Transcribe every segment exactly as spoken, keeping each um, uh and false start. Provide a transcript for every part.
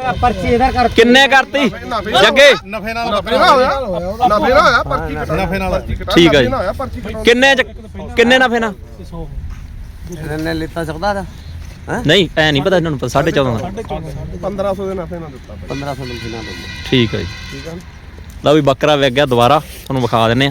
पर्ची इधर कर किन्ने करती जगे ਨਫੇ ਨਾਲ ਨਫੇ ਨਾਲ ਹੋਇਆ ਨਫੇ ਨਾਲ ਹੋਇਆ ਪਰਚੀ ਨਫੇ ਨਾਲ ठीक है किन्ने किन्ने नफे ना ने लेता चौदह था नहीं ऐ नहीं पता इन्होंने साढ़े चौदह ਪੰਦਰਾਂ ਸੌ ਦੇ ਨਫੇ ਨਾਲ ਦਿੱਤਾ पंद्रह सौ मिलती ना ठीक है ਠੀਕ ਹੈ लो भी बकरा विक गया दोबारा ਤੁਹਾਨੂੰ ਵਿਖਾ ਦਿੰਨੇ ਆ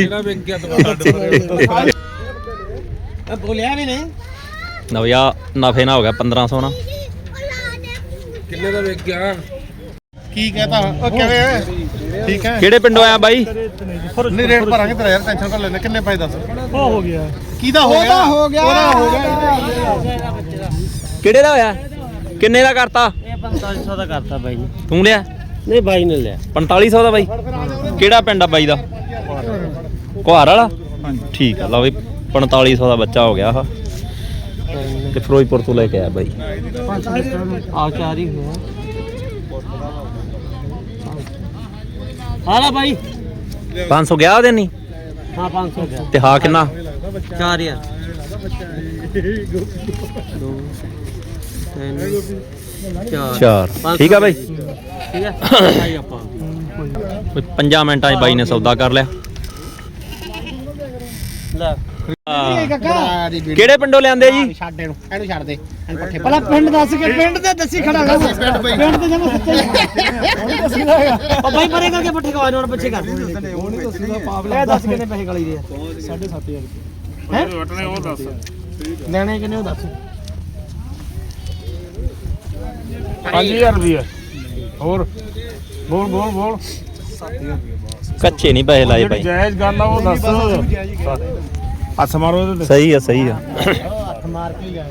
बोलिया भी नहीं ਨਵਿਆ ਨਫੇ ਨਾ ਹੋ ਗਿਆ ਪੰਦਰਾਂ ਸੌ ਨਾ ਕਿੰਨੇ ਦਾ ਵਿਕ ਗਿਆ ਕੀ ਕਹਤਾ ਉਹ ਕਿਵੇਂ ਠੀਕ ਹੈ ਕਿਹੜੇ ਪਿੰਡੋਂ ਆਇਆ ਬਾਈ ਨਹੀਂ ਰੇਟ ਭਰਾਂਗੇ ਤੇਰਾ ਯਾਰ ਟੈਨਸ਼ਨ ਕਰ ਲੈਣੇ ਕਿੰਨੇ ਪੈਸੇ ਦੱਸ वो हो गया ਕਿਹਦਾ ਹੋ ਗਿਆ हो गया ਉਹਦਾ ਹੋ ਗਿਆ ਕਿਹੜੇ ਦਾ ਹੋਇਆ ਕਿੰਨੇ ਦਾ ਕਰਤਾ ये पैंतालीस सौ का करता भाई ने ਤੂੰ ਲਿਆ नहीं भाई ने लिया ਪੰਤਾਲੀ ਸੌ ਦਾ ਬਾਈ ਕਿਹੜਾ ਪਿੰਡ ਆ ਬਾਈ ਦਾ ਕੁਹਾਰ ਵਾਲਾ ਠੀਕ ਆ ਲਓ ਵੀ ਪੰਤਾਲੀ ਸੌ ਦਾ ਬੱਚਾ ਹੋ ਗਿਆ ਆ ਤੇ ਫਿਰੋਜ਼ਪੁਰ ਤੋਂ ਲੈ ਕੇ ਆਇਆ ਬਾਈ आओ चार ही हुआ हाला भाई ਪੰਜ ਸੌ ਗਿਆ ਉਹਦੇ ਨਹੀਂ हाँ पाँच सौ का ਤੇ ਹਾਂ ਕਿੰਨਾ चार यार दो तीन चार ਚਾਰ ਠੀਕ ਆ ਬਾਈ ठीक है भाई अपन ਕੋਈ ਪੰਜਾਂ ਮਿੰਟਾਂ 'ਚ ਬਾਈ ਨੇ ਸੌਦਾ ਕਰ ਲਿਆ ले ਕਿਹੜੇ ਪਿੰਡੋਂ ਲਿਆਂਦੇ ਜੀ ਛੱਡ ਇਹਨੂੰ ਇਹਨੂੰ ਛੱਡ ਦੇ ਇਹਨੂੰ ਪੱਠੇ ਪਹਿਲਾਂ ਪਿੰਡ ਦੱਸ ਕੇ ਪਿੰਡ ਤੇ ਦੱਸੀ ਖੜਾ ਕਰ ਪਿੰਡ ਤੇ ਜਮਾ ਸੱਚੇ ਉਹ ਬਾਈ ਪਰੇ ਕਰਕੇ ਪੱਠੇ ਖਵਾ ਨੂੰ ਪਿੱਛੇ ਕਰ ਇਹ ਦੱਸ ਕਿੰਨੇ ਪੈਸੇ ਗਲੀ ਦੇ ਸਾਢੇ ਸੱਤ ਹਜ਼ਾਰ ਹੈ ਵਟਨੇ ਉਹ ਦੱਸ ਲੈਣੇ ਕਿੰਨੇ ਉਹ ਦੱਸ ਪੰਜ ਹਜ਼ਾਰ ਰੁਪਏ ਹੋਰ ਬੋਲ ਬੋਲ ਬੋਲ ਕੱਚੇ ਨਹੀਂ ਪੈਸੇ ਲਾਏ ਬਾਈ ਜਾਇਜ਼ ਗੱਲ ਆ ਉਹ ਦੱਸ ਹੱਥ ਮਾਰੋ ਇਹਦੇ ਸਹੀ ਆ ਸਹੀ ਆ ਹੱਥ ਮਾਰ ਕੇ ਹੀ ਆਇਆ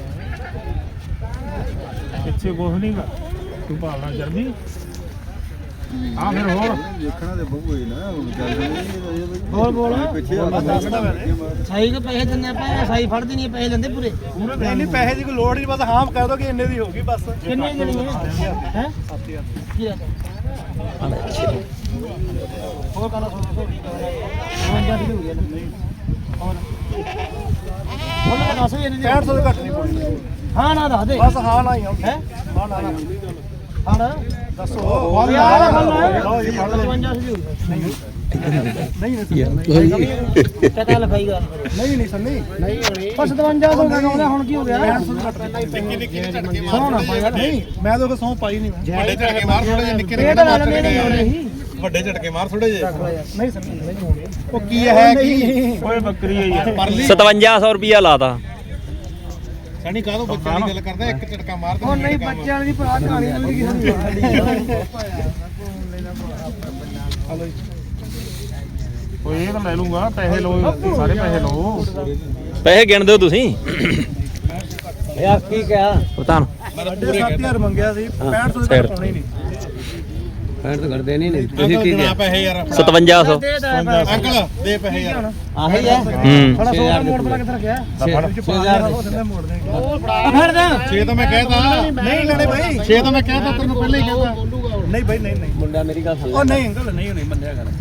ਪਿੱਛੇ ਕੁਝ ਨਹੀਂ ਗਾ ਤੂੰ ਭਾਲਣਾ ਜਲਦੀ ਆ ਫਿਰ ਹੋਰ ਦੇਖਣਾ ਤੇ ਬਹੁ ਹੋਈ ਨਾ ਬੋਲ ਬੋਲ ਸਹੀ ਕੋ ਪੈਸੇ ਦਿੰਨੇ ਆਪਾਂ ਸਹੀ ਫੜਦੇ ਨਹੀਂ ਪੈਸੇ ਲੈਂਦੇ ਪੂਰੇ ਪੂਰੇ ਨਹੀਂ ਨਹੀਂ ਪੈਸੇ ਦੀ ਕੋਈ ਲੋੜ ਨਹੀਂ ਬਸ ਹਾਂ ਕਹਿ ਦੋ ਕਿ ਇੰਨੇ ਦੀ ਹੋਗੀ ਬਸ ਕਿੰਨੇ ਦੇਣੀ ਹੈ ਹੈ ਕੀ ਹੈ ਹੋਰ ਕਾਲਾ ਸੌ ਪੰਜਾਹ ਦੀ ਹੋ ਗਿਆ ਹੋਰ ਉਹਨਾਂ ਦਾ ਦੱਸ ਇਹਨੇ ਪੈਂਹਠ ਸੌ ਤੋਂ ਘੱਟ ਨਹੀਂ ਪੜਨੀ ਹਾਂ ਨਾ ਦੱਸ ਦੇ ਬਸ ਹਾਂ ਨਾ ਹੀ ਹੈ ਹੈ ਹਾਂ ਨਾ ਹਾਂ ਦੱਸੋ ਯਾਰ ਗੱਲ ਲਓ ਜੀ ਫੜ ਲੈ ਪੰਜਾਹ ਦੀ ਨਹੀਂ ਨਹੀਂ ਪਤਾ ਲਿਖਾਈ ਗੱਲ ਨਹੀਂ ਨਹੀਂ ਸੰਨੀ ਨਹੀਂ ਹੋਣੀ ਬਸ ਸਤਵੰਜਾ ਸੌ ਦਾ ਕਹਿੰਦਾ ਹੁਣ ਕੀ ਹੋ ਗਿਆ ਨਿੱਕੀ ਨਿੱਕੀ ਝਟਕੇ ਮਾਰ ਨਹੀਂ ਮੈਂ ਤਾਂ ਸੌ ਪਾਈ ਨਹੀਂ ਮੈਂ ਵੱਡੇ ਝਟਕੇ ਮਾਰ ਥੋੜੇ ਜਿਹੇ ਨਿੱਕੇ ਇਹ ਤਾਂ ਨਾਲ ਮੇਰੇ ਨਹੀਂ ਵੱਡੇ ਝਟਕੇ ਮਾਰ ਥੋੜੇ ਜਿਹੇ ਨਹੀਂ ਸੰਨੀ ਨਹੀਂ ਹੋਣੀ ਉਹ ਕੀ ਹੈ ਕੀ ਓਏ ਬੱਕਰੀ ਹੈ ਯਾਰ ਪਰਲੀ ਸਤਵੰਜਾ ਸੌ ਰੁਪਿਆ ਲਾਤਾ ਸਣੀ ਕਾਹਦੋਂ ਬੱਚਿਆਂ ਦੀ ਗੱਲ ਕਰਦਾ ਇੱਕ ਝਟਕਾ ਮਾਰ ਦੇ ਉਹ ਨਹੀਂ ਬੱਚਿਆਂ ਦੀ ਭਰਾ ਕਹਾਣੀ ਮਿਲਦੀ ਕਿਸੇ ਓਏ ਇਹ ਤਾਂ ਲੈ ਲੂੰਗਾ ਪੈਸੇ ਲਓ ਸਾਰੇ ਪੈਸੇ ਲਓ ਪੈਸੇ ਗਿਣ ਦਿਓ ਤੁਸੀਂ ਯਾਰ ਕੀ ਕਿਹਾ ਪ੍ਰਧਾਨ ਪੂਰੇ ਸੱਤ ਹਜ਼ਾਰ ਮੰਗਿਆ ਸੀ ਪੈਂਹਠ ਸੌ ਸਾਈਡ ਪਾਉਣੀ ਨਹੀਂ ਫੇਰ ਤਾਂ ਕਰਦੇ ਨਹੀਂ ਨਹੀਂ ਤੁਸੀਂ ਕੀ ਕਿਹਾ ਪੈਸੇ ਯਾਰ ਸਤਵੰਜਾ ਸੌ ਅੰਕਲ ਦੇ ਪੈਸੇ ਯਾਰ ਆਹੀ ਹੈ ਹੂੰ ਥੋੜਾ ਸੌ ਮੋੜ ਬਣਾ ਕਿੱਥੇ ਰੱਖਿਆ ਛੇ ਹਜ਼ਾਰ ਮੋੜ ਦੇ ਫੜ ਦੇ ਛੇ ਤਾਂ ਮੈਂ ਕਹਿਤਾ ਨਹੀਂ ਲੈਣੇ ਭਾਈ ਛੇ ਤਾਂ ਮੈਂ ਕਹਿਤਾ ਤੈਨੂੰ ਪਹਿਲਾਂ ਹੀ ਕਹਿਤਾ ਨਹੀਂ ਭਾਈ ਨਹੀਂ ਨਹੀਂ ਮੁੰਡਾ ਮੇਰੀ ਗੱਲ ਸੁਣ ਉਹ ਨਹੀਂ ਅੰਕਲ ਨਹੀਂ ਨਹੀਂ ਮੰਨਿਆ ਗੱਲ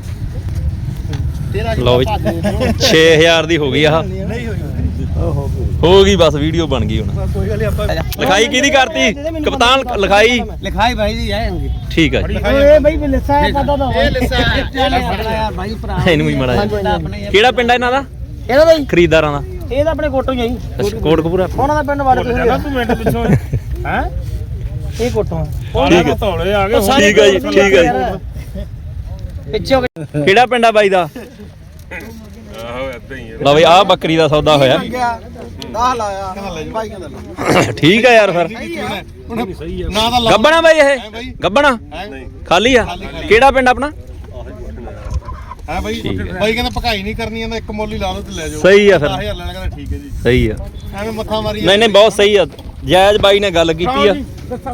ਲਓ ਵੀ ਛੇ ਹਜ਼ਾਰ ਦੀ ਹੋ ਗਈ ਆਹ ਨਹੀਂ ਹੋਈ ਹੋ ਗਈ ਬਸ ਵੀਡੀਓ ਬਣ ਗਈ ਹੁਣ ਕੋਈ ਗੱਲ ਨਹੀਂ ਆਪਾਂ ਲਿਖਾਈ ਕਿਹਦੀ ਕਰਤੀ ਕਪਤਾਨ ਲਿਖਾਈ ਲਿਖਾਈ ਭਾਈ ਦੀ ਆਏਗੀ ਠੀਕ ਹੈ ਜੀ ਓਏ ਭਾਈ ਲਿਸਾ ਹੈ ਪਤਾ ਤਾਂ ਇਹ ਲਿਸਾ ਹੈ ਯਾਰ ਭਾਈ ਭਰਾ ਇਹਨੂੰ ਵੀ ਮੜਾ ਕਿਹੜਾ ਪਿੰਡ ਆ ਇਹਨਾਂ ਦਾ ਇਹਦਾ ਭਾਈ ਖਰੀਦਦਾਰਾਂ ਦਾ ਇਹ ਤਾਂ ਆਪਣੇ ਕੋਟੋਂ ਹੀ ਆਈ ਕੋਟਕਪੂਰਾ ਉਹਨਾਂ ਦਾ ਪਿੰਡ ਵਾਲੇ ਤੁਸੀਂ ਤੂੰ ਮਿੰਟ ਪਿੱਛੋਂ ਹੈ ਇਹ ਕੋਟੋਂ ਠੀਕ ਹੈ ਧੌਲੇ ਆ ਗਏ ਠੀਕ ਹੈ ਜੀ ਠੀਕ ਹੈ ਜੀ ਪਿੱਛੇ ਹੋ ਗਏ ਕਿਹੜਾ ਪਿੰਡ ਆ ਬਾਈ ਦਾ ਆਹੋ ਇਦਾਂ ਹੀ ਲਓ ਬਈ ਆਹ ਬੱਕਰੀ ਦਾ ਸੌਦਾ ਹੋਇਆ ਦਸ ਲਾਇਆ ਭਾਈ ਕਹਿੰਦਾ ਠੀਕ ਆ ਯਾਰ ਫਿਰ ਨਾ ਤਾਂ ਗੱਬਣਾ ਬਾਈ ਇਹ ਗੱਬਣਾ ਖਾਲੀ ਆ ਕਿਹੜਾ ਪਿੰਡ ਆਪਣਾ ਹੈ ਬਾਈ ਬਾਈ ਕਹਿੰਦਾ ਭਕਾਈ ਨਹੀਂ ਕਰਨੀ ਇਹਦਾ ਇੱਕ ਮੋਲੀ ਲਾ ਲਓ ਤੇ ਲੈ ਜਾਓ ਸਹੀ ਆ ਫਿਰ ਦਸ ਹਜ਼ਾਰ ਲੈਣਾ ਕਹਿੰਦਾ ਠੀਕ ਹੈ ਜੀ ਸਹੀ ਆ ਐਵੇਂ ਮੱਥਾ ਮਾਰੀ ਨਹੀਂ ਨਹੀਂ ਬਹੁਤ ਸਹੀ ਆ ਜਾਇਜ਼ ਬਾਈ ਨੇ ਗੱਲ ਕੀਤੀ ਆ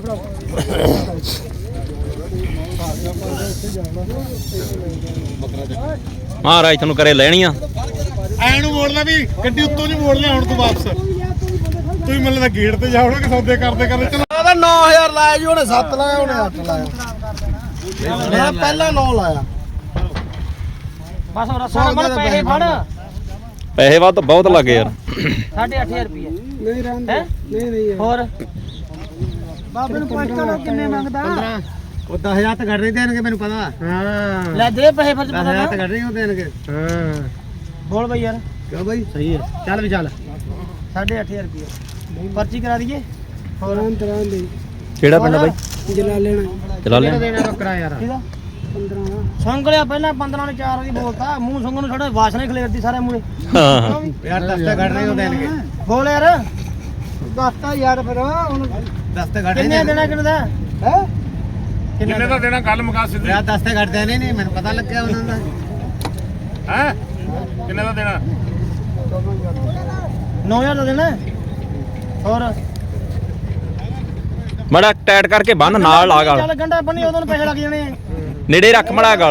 ਮਹਾਰਾਜ ਤੁਹਾਨੂੰ ਕਰੇ ਲੈਣੀਆਂ ਐ ਨੂੰ ਮੋੜ ਲੈ ਵੀ ਗੱਡੀ ਉੱਤੋਂ ਨਹੀਂ ਮੋੜ ਲਿਆ ਹੁਣ ਤੂੰ ਵਾਪਸ ਤੁਸੀਂ ਮੈਨੂੰ ਤਾਂ ਗੇਟ ਤੇ ਜਾਓਗੇ ਕਿ ਸੌਦੇ ਕਰਦੇ ਕਰਦੇ ਚਲਾ ਉਹਦਾ ਨੌ ਹਜ਼ਾਰ ਲਾਇਆ ਜੀ ਉਹਨੇ ਸੱਤ ਲਾਇਆ ਉਹਨੇ ਅੱਠ ਲਾਇਆ ਮੈਂ ਪਹਿਲਾਂ ਨੌ ਲਾਇਆ ਬਸ ਉਹ ਸਾਹਮਣੇ ਪੈਸੇ ਫੜ ਪੈਸੇ ਵੱਧ ਬਹੁਤ ਲੱਗੇ ਯਾਰ ਸਾਢੇ ਅੱਠ ਹਜ਼ਾਰ ਰੁਪਏ ਨਹੀਂ ਰਹਿੰਦੇ ਨਹੀਂ ਨਹੀਂ ਹੋਰ ਬਾਬੇ ਨੂੰ ਪੁੱਛ ਲਓ ਕਿੰਨੇ ਮੰਗਦਾ ਉਹ ਦਸ ਹਜ਼ਾਰ ਤਾਂ ਘੱਟ ਨਹੀਂ ਦੇਣਗੇ ਮੈਨੂੰ ਪਤਾ ਹਾਂ ਲੈ ਦੇ ਪੈਸੇ ਫਿਰ ਦਸ ਪਤਾ ਹਜ਼ਾਰ ਨਾ ਤਾਂ ਘੱਟ ਨਹੀਂ ਦੇਣਗੇ ਹਾਂ ਬੋਲ ਬਈ ਯਾਰ ਕਿਉਂ ਬਾਈ ਸਹੀ ਹੈ ਚੱਲ ਵੀ ਚੱਲ ਸਾਢੇ ਅੱਠ ਹਜ਼ਾਰ ਰੁਪਏ ਪਰਚੀ ਕਰਾ ਦਈਏ ਹੋਰ ਤਰ੍ਹਾਂ ਦੇ ਕਿਹੜਾ ਪਿੰਡ ਆ ਬਾਈ ਜਲਾ ਲੈਣਾ ਚਲਾ ਲੈ ਦੇਣਾ ਬੱਕਰਾ ਯਾਰ ਕਿਹਦਾ ਪੰਦਰਾਂ ਸੰਗ ਲਿਆ ਪਹਿਲਾਂ ਪੰਦਰਾਂ ਨੇ ਚਾਰ ਵਾਰੀ ਬੋਲਤਾ ਮੂੰਹ ਸੰਗ ਨੂੰ ਛੋੜਾ ਵਾਸਨਾ ਹੀ ਖਲੇਰਦੀ ਸਾਰੇ ਮੂਹਰੇ ਹਾਂ ਯਾਰ ਦਸ ਤਾਂ ਘੱਟ ਨਹੀਂ ਦੇਣਗੇ ਬੋਲ ਯਾਰ ਦੱਸਤਾ ਯਾਰ ਫਿਰ ਹੁਣ ਦਸ ਤਾਂ ਘੱਟ ਕਿੰਨੇ ਦੇਣਾ ਕਿੰਨੇ ਦਾ ਹੈ ਕਿੰਨੇ ਦਾ ਦੇਣਾ ਗੱਲ ਮੁਕਾ ਸਿੱਧੀ ਯਾਰ ਦਸ ਤਾਂ ਘੱਟ ਦੇਣੇ ਨਹੀਂ ਮੈਨੂੰ ਪਤਾ ਲੱਗਿਆ ਉਹਨਾਂ ਦਾ ਹੈ ਕਿੰਨੇ ਦਾ ਦੇਣਾ ਨੌ ਹਜ਼ਾਰ ਦਾ ਦੇਣਾ ਹੋਰ ਮੜਾ ਟਾਈਟ ਕਰਕੇ ਬੰਨ ਨਾਲ ਲਾ ਗਲ ਚੱਲ ਗੰਡਾ ਬੰਨੀ ਉਦੋਂ ਨੂੰ ਪੈਸੇ ਲੱਗ ਜਾਣੇ ਨੇੜੇ ਰੱਖ ਮੜਾ ਗਲ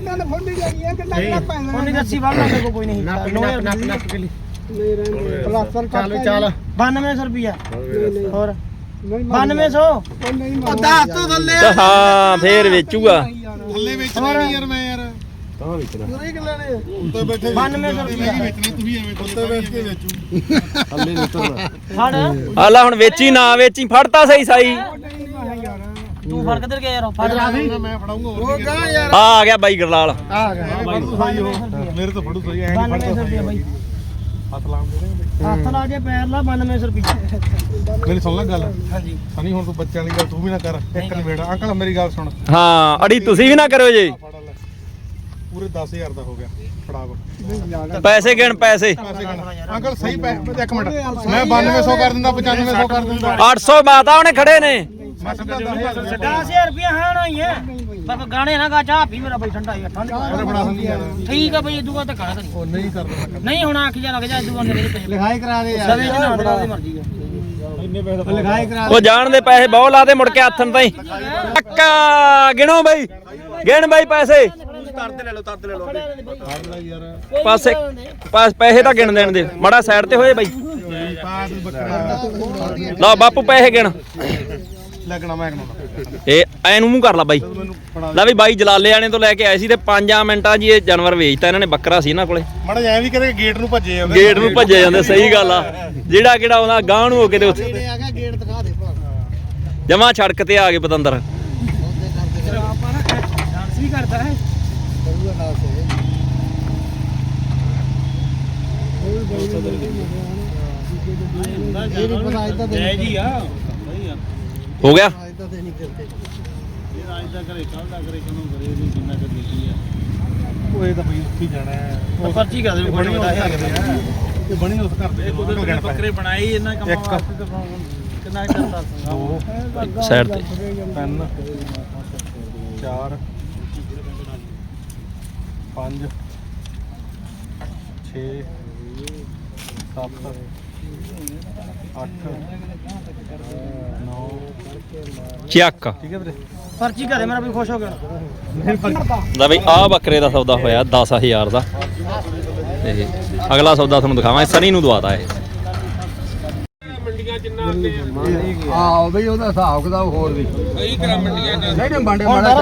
ਉਹਨੇ ਰੱਸੀ ਬੰਨ ਲਾ ਮੇਰੇ ਕੋਲ ਕੋਈ ਨਹੀਂ ਨੌ ਹਜ਼ਾਰ ਨੱਪ ਨੱਪ ਕੇ ਲਈ ਚੱਲ ਚੱਲ ਬਾਨਵੇਂ ਸੌ ਰੁਪਿਆ ਹੋਰ ਬਾਨਵੇਂ ਸੌ ਉਹ ਦਸ ਤੋਂ ਥੱਲੇ ਤੇ ਹਾਂ ਫੇਰ ਵੇਚੂਗਾ ਥੱਲੇ ਵੇਚਣਾ ਨਹੀਂ ਯਾਰ ਮੈਂ ਯਾਰ ਤਾਂ ਵੇਚਣਾ ਪੂਰੇ ਕਿੱਲੇ ਨੇ ਉੱਤੇ ਬੈਠੇ ਬਾਨਵੇਂ ਸੌ ਰੁਪਿਆ ਵੇਚਣਾ ਤੂੰ ਵੀ ਐਵੇਂ ਉੱਤੇ ਬੈਠ ਕੇ ਵੇਚੂ ਥੱਲੇ ਵੇਚਣਾ ਫੜ ਆ ਲੈ ਹੁਣ ਵੇਚੀ ਨਾ ਵੇਚੀ ਫੜਤਾ ਸਹੀ ਸਾਈ ਤੂੰ ਫੜ ਕਿੱਧਰ ਗਿਆ ਯਾਰ ਫੜ ਮੈਂ ਫੜਾਉਂਗਾ ਉਹ ਕਹਾਂ ਯਾਰ ਆ ਆ ਗਿਆ ਬਾਈ ਗਰਲਾਲ ਆ ਗਿਆ ਬਾਈ ਸਹੀ ਹੋ ਮੇਰੇ ਤੋਂ ਫੜੂ ਸਹੀ ਐ ਨਹੀਂ ਬਾਨਵੇਂ ਸੌ ਰੁਪਿਆ ਬਾਈ ਹੱਥ ਲਾਉਂ ਦੇ ਹੱਥ ਲਾ ਕੇ ਪੈਰ ਲਾ ਬਾਨਵੇਂ ਸੌ ਰੁਪਿਆ ਮੇਰੀ ਸੁਣ ਲੈ ਗੱਲ ਹਾਂਜੀ ਸਨੀ ਹੁਣ ਤੂੰ ਬੱਚਿਆਂ ਦੀ ਗੱਲ ਤੂੰ ਵੀ ਨਾ ਕਰ ਇੱਕ ਨਵੇੜਾ ਅੰਕਲ ਮੇਰੀ ਗੱਲ ਸੁਣ ਹਾਂ ਅੜੀ ਤੁਸੀਂ ਵੀ ਨਾ ਕਰੋ ਜੀ ਫੜ ਲੈ ਪੂਰੇ ਦਸ ਹਜ਼ਾਰ ਦਾ ਹੋ ਗਿਆ ਫੜਾ ਕੋ ਪੈਸੇ ਗਿਣ ਪੈਸੇ ਪੈਸੇ ਗਣ ਅੰਕਲ ਸਹੀ ਪੈਸੇ ਇੱਕ ਮਿੰਟ ਮੈਂ ਬਾਨਵੇਂ ਸੌ ਕਰ ਦਿੰਦਾ ਪਚਾਨਵੇਂ ਸੌ ਕਰ ਦਿੰਦਾ ਅੱਠ ਸੌ ਬਾਤਾ ਉਹਨੇ ਖੜੇ ਨੇ ਮੈਂ ਸਿੱਧਾ ਦਸ ਹਜ਼ਾਰ ਦਸ ਹਜ਼ਾਰ ਰੁਪਿਆ ਹਾਂ ਨਾ ਹੀ ਹੈ ਪਰ ਗਾਣੇ ਨਾ ਗਾ ਚਾਹ ਪੀ ਮੇਰਾ ਬਈ ਠੰਡਾ ਹੀ ਠੰਡ ਉਹਨੇ ਬਣਾ ਦਿੰਦੀ ਯਾਰ ਠੀਕ ਆ ਬਈ ਇਦੂ ਬਾਅਦ ਧੱਕਾ ਨਾ ਉਹ ਨਹੀਂ ਕਰਦਾ ਨਹੀਂ ਹੁਣ ਆਖ ਜਾ ਲੱਗ ਜਾ ਇਦੂ ਬਾਅਦ ਮੇਰੇ ਪੈਸੇ ਲਿਖਾਈ ਕਰਾ ਦੇ ਸਵੇ ਜਨਾ ਦੀ ਮਰਜ਼ੀ ਹੈ ਇੰਨੇ ਪੈਸੇ ਲਿਖਾਈ ਕਰਾ ਉਹ ਜਾਣ ਦੇ ਪੈਸੇ ਬਹੁਤ ਲਾਦੇ ਮੁੜ ਕੇ ਹੱਥਨ ਤਾਈ ਟੱਕਾ ਗਿਣੋ ਬਾਈ ਗਿਣ ਬਾਈ ਪੈਸੇ ਤਰਦੇ ਲੈ ਲਓ ਤਰਦੇ ਲੈ ਲਓ ਫੜ ਲੈ ਯਾਰ ਪਾਸੇ ਪਾਸ ਪੈਸੇ ਤਾਂ ਗਿਣ ਦੇਣ ਦੇ ਮੜਾ ਸਾਈਡ ਤੇ ਹੋਏ ਬਾਈ ਪਾਸ ਬੱਕਰਾ ਲਓ ਬਾਪੂ ਪੈਸੇ ਗਿਣ ਲੱਗਣਾ ਮੈਂ ਕਹਣਾ ਇਹ ਐ ਨੂੰ ਮੂੰਹ ਕਰ ਲਾ ਬਾਈ ਲੈ ਵੀ ਬਾਈ ਜਲਾਲੇ ਆਣੇ ਤੋਂ ਲੈ ਕੇ ਆਏ ਸੀ ਤੇ ਪੰਜਾਂ ਮਿੰਟਾਂ 'ਚ ਹੀ ਇਹ ਜਾਨਵਰ ਵੇਚਤਾ ਇਹਨਾਂ ਨੇ ਬੱਕਰਾ ਸੀ ਇਹਨਾਂ ਕੋਲੇ ਮੜਾ ਐ ਵੀ ਕਦੇ ਗੇਟ ਨੂੰ ਭੱਜੇ ਜਾਂਦੇ ਗੇਟ ਨੂੰ ਭੱਜੇ ਜਾਂਦੇ ਸਹੀ ਗੱਲ ਆ ਜਿਹੜਾ ਕਿਹੜਾ ਆਉਂਦਾ ਗਾਂ ਨੂੰ ਹੋ ਕੇ ਤੇ ਉੱਥੇ ਆ ਗਿਆ ਗੇਟ ਦਿਖਾ ਦੇ ਜਮਾ ਛੜਕ ਤੇ ਆ ਗਏ ਪਤੰਦਰ ਆਪਾਂ ਨਾ ਡਾਂਸ ਵੀ ਕਰਦਾ ਹੈ ਜੈ ਜੀ ਆ ਹੋ ਗਿਆ ਉਹ ਇਹ ਤਾਂ ਬਈ ਉੱਥੇ ਜਾਣਾ ਹੈ ਪਰਚੀ ਕਰ ਦੇ ਬਣੀ ਉਸ ਘਰ ਦੇ ਆ ਇਹ ਬਣੀ ਉਸ ਘਰ ਦੇ ਉਹਦੇ ਬੱਕਰੇ ਬਣਾਈ ਇਹਨਾਂ ਕੰਮਾਂ ਇੱਕ ਵਾਸਤੇ ਤਾਂ ਕਿੰਨਾ ਕਰਦਾ ਦੋ ਸਾਈਡ ਤੇ ਤਿੰਨ ਚਾਰ ਪੰਜ ਛੇ ਸੱਤ ਅੱਠ ਨੌ ਚੱਕ ਠੀਕ ਹੈ ਵੀਰੇ ਪਰਚੀ ਘਰੇ ਮੇਰਾ ਵੀ ਖੁਸ਼ ਹੋ ਗਿਆ ਲੈ ਬਈ ਆਹ ਬੱਕਰੇ ਦਾ ਸੌਦਾ ਹੋਇਆ ਦਸ ਹਜ਼ਾਰ ਦਾ ਤੇ ਅਗਲਾ ਸੌਦਾ ਤੁਹਾਨੂੰ ਦਿਖਾਵਾਂ ਸਨੀ ਨੂੰ ਦਵਾਤਾ ਇਹ ਆਹ ਬਈ ਉਹਦਾ ਹਿਸਾਬ ਕਿਤਾਬ ਹੋਰ ਵੀ ਕਈ ਕਰਾ ਮੰਡੀਆਂ ਚ ਨਹੀਂ ਨਹੀਂ ਬਾਂਡੇ ਮਾੜਾ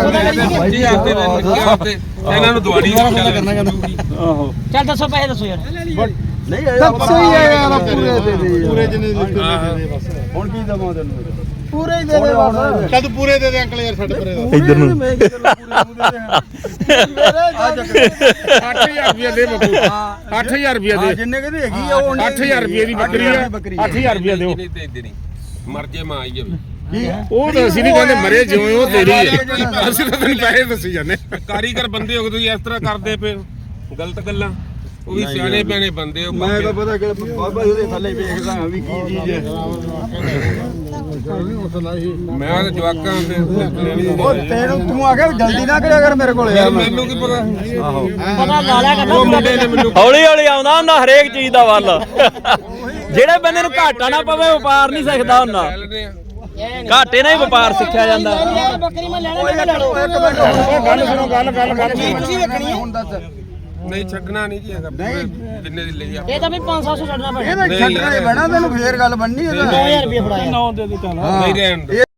ਇਹਨਾਂ ਨੂੰ ਦਵਾੜੀ ਕਰਨਾ ਕਹਿੰਦਾ ਆਹੋ ਚੱਲ ਦੱਸੋ ਪੈਸੇ ਦੱਸੋ ਯਾਰ ਨਹੀਂ ਦੱਸੋ ਹੀ ਆ ਯਾਰ ਪੂਰੇ ਦੇ ਦੇ ਪੂਰੇ ਜਿੰਨੇ ਲਿਖੇ ਦੇ ਦੇ ਬਸ ਹੁਣ ਕੀ ਦਵਾਂ ਤੈਨੂੰ ਪੂਰੇ ਹੀ ਦੇ ਦੇ ਬਸ ਚੱਲ ਤੂੰ ਪੂਰੇ ਦੇ ਦੇ ਅੰਕਲ ਯਾਰ ਛੱਡ ਪਰੇ ਇੱਧਰ ਨੂੰ ਅੱਠ ਹਜ਼ਾਰ ਰੁਪਏ ਦੇ ਬੱਕੂ ਅੱਠ ਹਜ਼ਾਰ ਰੁਪਏ ਦੇ ਜਿੰਨੇ ਕਹਿੰਦੇ ਹੈਗੀ ਆ ਉਹ ਅੱਠ ਹਜ਼ਾਰ ਰੁਪਏ ਦੀ ਬੱਕਰੀ ਆ ਅੱਠ ਹਜ਼ਾਰ ਰੁਪਏ ਦਿਓ ਮਰ ਜੇ ਮਾਂ ਆਈ ਜਾਵੇ ਉਹ ਤਾਂ ਅਸੀਂ ਨਹੀਂ ਕਹਿੰਦੇ ਮਰੇ ਜਿਉਂ ਉਹ ਤੇਰੀ ਹੈ ਅਸੀਂ ਤਾਂ ਤੈਨੂੰ ਪੈਸੇ ਦੱਸੀ ਜਾਂਦੇ ਕਾਰੀਗਰ ਬੰਦੇ ਹੋ ਤੁਸੀਂ ਇਸ ਤਰ੍ਹਾਂ ਕਰਦੇ ਪਏ ਗਲਤ ਗੱਲਾਂ ਉਹ ਵੀ ਸਿਆਣੇ ਬਿਆਣੇ ਬੰਦੇ ਹੋ ਮੈਂ ਤਾਂ ਪਤਾ ਕਿ ਬਾਬਾ ਉਹਦੇ ਥੱਲੇ ਵੇਖਦਾ ਹਾਂ ਵੀ ਕੀ ਚੀਜ਼ ਹੈ ਮੈਂ ਤਾਂ ਜਵਾਕਾਂ ਤੇ ਉਹ ਤੈਨੂੰ ਤੂੰ ਆ ਕੇ ਜਲਦੀ ਨਾ ਕਰਿਆ ਕਰ ਮੇਰੇ ਕੋਲ ਯਾਰ ਮੈਨੂੰ ਕੀ ਪਤਾ ਆਹੋ ਪਤਾ ਲਾ ਲਿਆ ਕਰਨਾ ਉਹ ਮੁੰਡੇ ਨੇ ਮੈਨੂੰ ਹੌਲੀ ਹੌਲੀ ਆਉਂਦਾ ਹੁੰਦਾ ਹਰੇਕ ਚੀਜ਼ ਦਾ ਵੱਲ ਜਿਹੜੇ ਬੰਦੇ ਨੂੰ ਘਾਟਾ ਨਾ ਪਵੇ ਵਪਾਰ ਨਹੀਂ ਸਿੱਖਦਾ ਹੁੰਦਾ ਲੈਣੇ ਆ ਘਾਟੇ ਨਾਲ ਹੀ ਵਪਾਰ ਸਿੱਖਿਆ ਜਾਂਦਾ ਬੱਕਰੀ ਮੈਂ ਲੈਣਾ ਮੈਂ ਲੈ ਲਓ ਗੱਲ ਸੁਣੋ ਗੱਲ ਗੱਲ ਗੱਲ ਤੁਸੀਂ ਵੇਖਣੀ ਹੈ ਹੁਣ ਦੱਸ ਨਹੀਂ ਛੱਡਣਾ ਨਹੀਂ ਜੀ ਹੈਗਾ ਜਿੰਨੇ ਦੀ ਲਈ ਆ ਇਹ ਤਾਂ ਵੀ ਪੰਜ ਸੱਤ ਸੌ ਛੱਡਣਾ ਪੈਣਾ ਇਹਦਾ ਛੱਡਣਾ ਹੀ ਪੈਣਾ ਤੈਨੂੰ ਫੇਰ ਗੱਲ ਬੰਨੀ ਨੌ ਹਜ਼ਾਰ ਰੁਪਏ ਫੜਾਇਆ ਨਹੀਂ ਰਹਿਣ ਦੇ